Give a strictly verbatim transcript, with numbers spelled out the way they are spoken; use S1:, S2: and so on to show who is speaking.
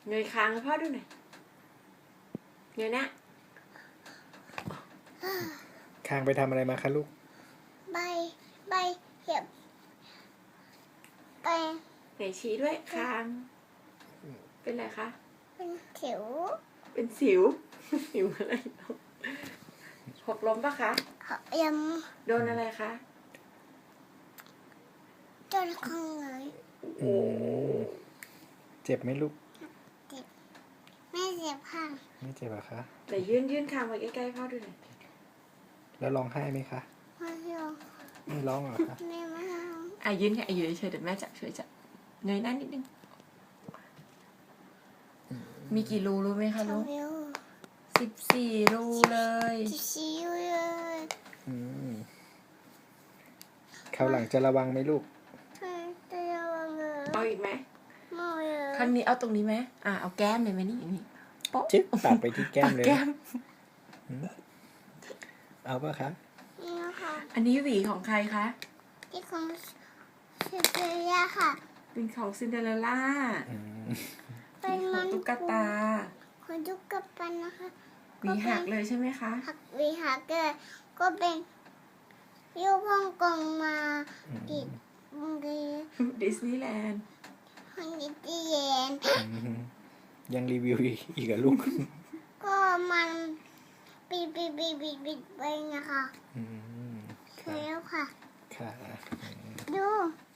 S1: เงยคางให้พ่อดูหน่อยเงยหน้า
S2: คางไปทำอะไรมาคะลูก
S3: ใบใบเห็บไป
S1: ไหนชี้ด้วยคางเป็นอะไรคะ
S3: เป็นสิว
S1: เป็นสิวสิวอะไรหกล้มปะคะ
S3: ยัง
S1: โดนอะไรคะ
S3: โดนข้างไหน
S2: โอ้เจ็บไหมลูก
S3: เจ็บไม่เจ็บค่ะ
S2: ไม่เจ็บอะคะ
S1: แต่ยื่นยื่นคางไว้ใกล้ๆพ่อดูหน่อย
S2: แล้วร้องไห้ไหมคะ
S3: ไม่ร้อง
S2: ไม่ร้องเหรอคะ
S3: ไม่ไม่ร้อง
S1: อ่ะยื่นแค่อยู่เฉยๆเดี๋ยวแม่จับช่วยจับเงยหน้านิดนึงมีกี่รูรู้ไหมคะลูกสิบสี่รูเลย
S3: สิบสี่รูเลย
S2: คราวหลังจะระวังไหมลูก
S3: จะระวังเลย
S1: เอาอีกไหม
S3: ไม่เลย
S1: ครั้งนี้เอาตรงนี้ไหมอ่ะเอาแก้มเลยไหมนี่นี่
S2: โป๊ะจิ๊บตัดไปที่แก้มเลยเอาป่ะคะ
S1: อันนี้หวีของใครคะ
S3: ที่ของซินเดอเรลล่าค่ะ
S1: เป็นของซินเดอเรลล่า
S3: เป็น
S1: ของตุ๊กตา
S3: ของตุ๊กตานะคะ
S1: หวีหักเลยใช่ไหมคะ
S3: หักหวีหักเลยก็เป็นยูฮ่องกงมาดิ
S1: ดิสนีย์แลนด์
S3: ฮันนี่ดีเยน
S2: ยังรีวิวอีกอะลูก
S3: ก็มันบิดบิดบิดบิดบิดไปนะคะแล้วค่ะ
S2: ค่ะ
S3: ดู